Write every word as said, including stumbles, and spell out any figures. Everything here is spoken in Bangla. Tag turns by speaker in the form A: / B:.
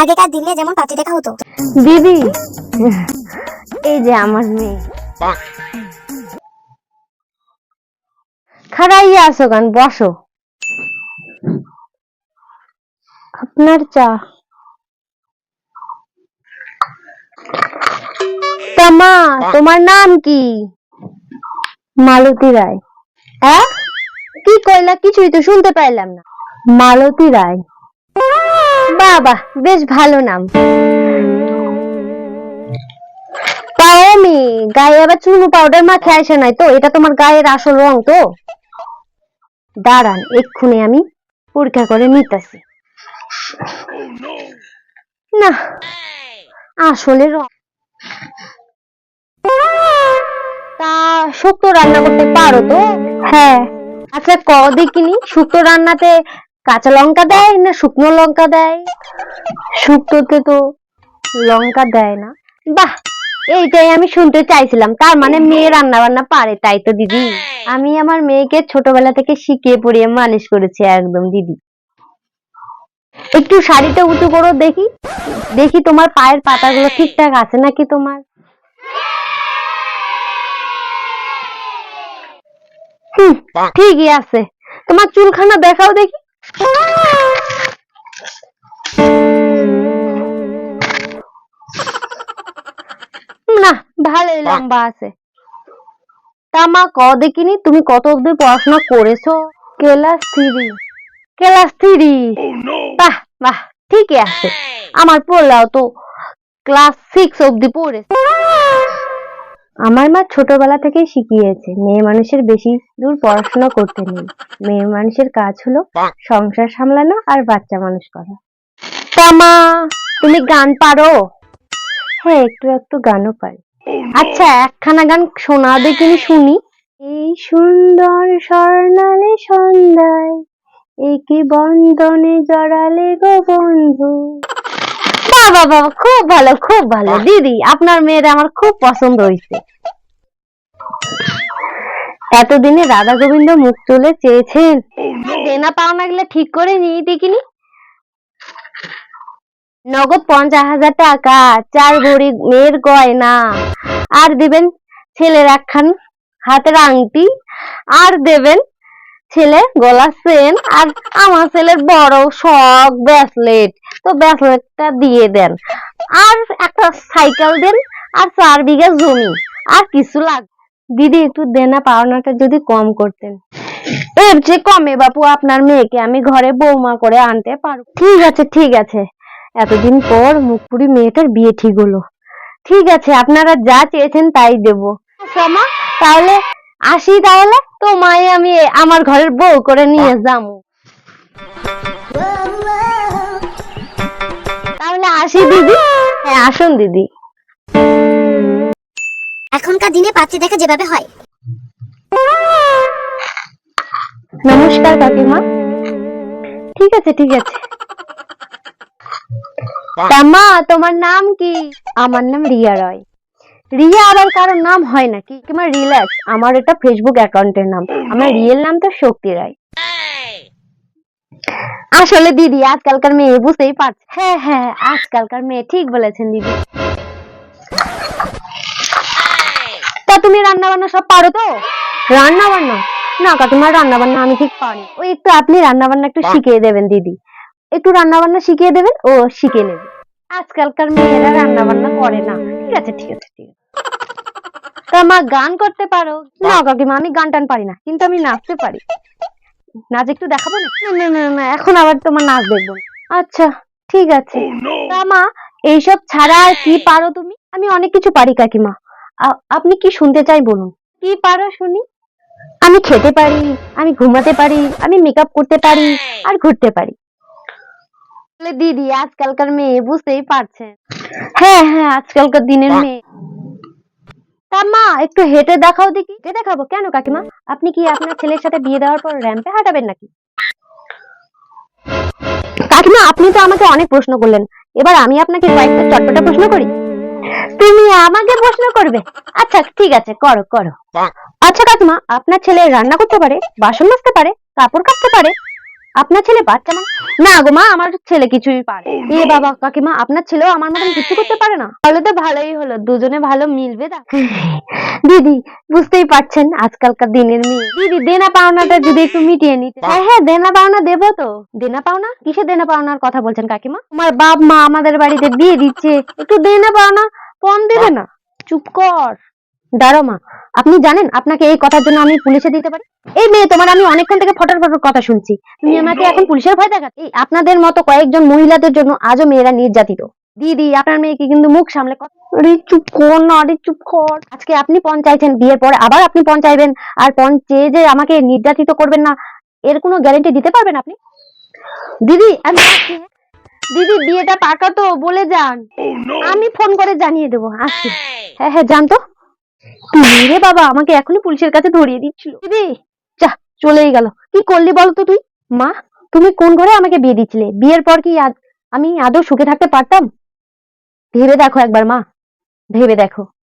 A: আগেকার দিনে যেমন পাত্রী দেখা হতো।
B: দিদি, এই যে আমার মেয়ে। খাড়াইয়া আছো গান, বসো। আপনার চা। তা মা, তোমার নাম কি? মালতী রায়। হ্যাঁ, কি কইলা? কিছুই তো শুনতে পাইলাম না। মালতী রায়। বাবা, বেশ ভালো নাম। তাও আমি গায়ে আবার চুনো পাউডার মাখে আসে নাই তো? এটা তোমার গায়ের আসল রং তো? দাঁড়ান, এক্ষুনি আমি পরীক্ষা করে নিতেছি। না, আসলে রং। তা শুক্তো রান্না করতে পারো তো? হ্যাঁ। আচ্ছা, ক দেখিনি, শুক্তো রান্নাতে কাঁচা লঙ্কা দেয় না শুকনো লঙ্কা দেয়? শুক্তোতে তো লঙ্কা দেয় না। বাহ, এইটাই আমি শুনতে চাইছিলাম। তার মানে মেয়ে রান্না বান্না পারে, তাই তো দিদি? আমি আমার মেয়েকে ছোটবেলা থেকে শিখিয়ে পড়িয়ে মানুষ করেছি একদম দিদি। একটু শাড়িটা উঁচু করো দেখি, দেখি তোমার পায়ের পাতাগুলো ঠিকঠাক আছে নাকি তোমার। হুম, ঠিকই আছে। তোমার চুলখানা দেখাও দেখি। না, ভালোই লম্বা আছে। তা মা, ক দেখিনি, তুমি কত অবধি পড়াশোনা করেছো? Class three. Class three? বাহ বাহ, ঠিকই আছে। আমার পড়লাও তো ক্লাস সিক্স অবধি পড়েছে। আমার মা ছোটবেলা থেকেই শিখিয়েছে মেয়ে মানুষের বেশি দূর পড়াশোনা করতে নেই। মেয়ে মানুষের কাজ হলো সংসার সামলানো আর বাচ্চা মানুষ করা। তা মা, তুমি গান পারো? হ্যাঁ, একটু একটু গানও পারি। আচ্ছা, একখানা গান শোনা দেখিনি শুনি। এই সুন্দর স্বর্ণালী সন্ধ্যায় একই বন্ধনে জড়ালে গো বন্ধু। বাবা বাবা, খুব ভালো খুব ভালো দিদি, আপনার মেয়ের আমার খুব পছন্দ হয়েছে। এতদিনে রাধা গোবিন্দ মুখ তুলে চেয়েছেন। দেনা পাওনা গুলো ঠিক করে নিয়ে দেখিনি। নগদ পঞ্চাশ হাজার টাকা, চার ভরি মেয়ের গয়না, আর দিবেন ছেলের একখান হাতের আংটি, আর দেবেন ছেলে গলার চেন, আর আমার ছেলের বড় শখ ব্রেসলেট, তো ব্রেসলেটটা দিয়ে দেন, আর একটা সাইকেল দেন, আর চার বিঘা জমি, আর কিছু লাগবে। দিদি, একটু দেনা পাওনাটা যদি কম করতেন। এর যে কমে বাপু আপনার মেয়েকে আমি ঘরে বৌমা করে আনতে পারবো। ঠিক আছে ঠিক আছে, এতদিন পর মুখপুরি মেয়েটার বিয়ে ঠিক হলো। ঠিক আছে, আপনারা যা চেয়েছেন তাই দেবো। মা, তাহলে আসি। তাহলে তো মায়ে আমি আমার ঘরের বউ করে নিয়ে যাবো। তাহলে আসি দিদি। হ্যাঁ, আসুন দিদি।
A: এখনকার দিনে পাত্রী দেখা যেভাবে হয়।
B: নমস্কার কাকিমা। ঠিক আছে ঠিক আছে। তা মা, তোমার নাম কি? আমার নাম রিয়া রয়। রিয়া আবার কারোর নাম হয় নাকি? তোমার রিল্যাক্স, আমার এটা ফেসবুক অ্যাকাউন্টের নাম। আমার রিয়েল নাম তো শক্তি রায়। আসলে দিদি, আজকালকার মেয়ে বুঝতেই পারছে। হ্যাঁ হ্যাঁ, আজকালকার মেয়ে, ঠিক বলেছেন দিদি। তা তুমি রান্না বান্না সব পারো তো? রান্না বান্না না কাকিমা, রান্না বান্না আমি ঠিক পারি। ওই একটু আপনি রান্না বান্না একটু শিখিয়ে দেবেন দিদি, একটু রান্না বান্না শিখিয়ে দেবেন, ও শিখে নেবে। আজকালকার মেয়েরা রান্না বান্না করে না। ঠিক আছে ঠিক আছে ঠিক আছে। তা মা, গান করতে পারো? না কাকিমা, আমি গান টান পারি না, কিন্তু আমি নাচতে পারি। নাচ একটু দেখাবো না? না না না, এখন আবার তোমার নাচ দেখবো। আচ্ছা ঠিক আছে। তা মা, এইসব ছাড়া আর কি পারো তুমি? আমি অনেক কিছু পারি কাকিমা। আপনি কি শুনতে চাই বলুন, কি পারো শুনি। আমি খেতে পারি, আমি ঘুমাতে পারি, আমি মেকআপ করতে পারি, আর ঘুরতে পারি। দিদি, আজকালকার মেয়ে বুঝতেই পারছেন। হ্যাঁ হ্যাঁ, আজকালকার দিনের মেয়ে। তা মা, একটু হেঁটে দেখাও দেখি। হেঁটে দেখাবো কেন কাকিমা? আপনি কি আপনার ছেলের সাথে বিয়ে দেওয়ার পর র্যাম্পে হাঁটাবেন নাকি? কাকিমা, আপনি তো আমাকে অনেক প্রশ্ন করলেন, এবার আমি আপনাকে কয়েকটা চটপটা প্রশ্ন করি। তুমি আমাকে প্রশ্ন করবে? আচ্ছা ঠিক আছে, করো করো। আচ্ছা কাকিমা, আপনার ছেলে রান্না করতে পারে, বাসন মাজতে পারে, কাপড় কাচতে পারে? আপনার ছেলে বাচ্চা মানে? না গো মা, আমার ছেলে কিছুই পারে না। এ বাবা কাকিমা, আপনার ছেলেও আমার মতন কিছু করতে পারে না? তাহলে তো ভালোই হলো, দুজনে ভালো মিলবে। তা দিদি বুঝতেই পারছেন আজকালকার দিনের মেয়ে। দিদি দেনা পাওনাটা যদি একটু মিটিয়ে নিতে। হ্যাঁ হ্যাঁ, দেনা পাওনা দেবো তো। দেনা পাওনা কিসে দেনা পাওনার কথা বলছেন কাকিমা? তোমার বাপ মা আমাদের বাড়িতে বিয়ে দিচ্ছে, একটু দেনা পাওনা কম দেবে না? চুপ কর। দাঁড়ো মা, আপনি জানেন আপনাকে এই কথার জন্য আমি পুলিশে দিতে পারি। এই মেয়ে, তোমার আমি অনেকক্ষণ থেকে ফটার ফটার কথা শুনছি, তুমি আমাকে এখন পুলিশের ভয় দেখাচ্ছ? এই আপনাদের মতো কয়েকজন মহিলাদের জন্য আজও মেয়েরা নির্যাতিত। দিদি, আপনার মেয়েকে কিন্তু মুখ সামলে কথা। আরে চুপ কর না, আরে চুপ কর। আজকে আপনি পণ চাইছেন, বিয়ের পরে আবার আপনি পণ চাইবেন, আর পণ চেয়ে যে আমাকে নির্যাতিত করবেন না, এর কোনো গ্যারান্টি দিতে পারবেন আপনি? দিদি আমি আসছি, হ্যাঁ? দিদি বিয়েটা পাকা তো, বলে যান। আমি ফোন করে জানিয়ে দেবো, আসছি। হ্যাঁ হ্যাঁ, জান তো। রে বাবা, আমাকে এখনই পুলিশের কাছে ধরিয়ে দিচ্ছিল। দিদি যা, চলেই গেল। কি করলি বলতো তুই? মা, তুমি কোন ঘরে আমাকে বিয়ে দিচ্ছিলে? বিয়ের পর কি আদ- আমি আদৌ সুখে থাকতে পারতাম? ভেবে দেখো একবার মা, ভেবে দেখো।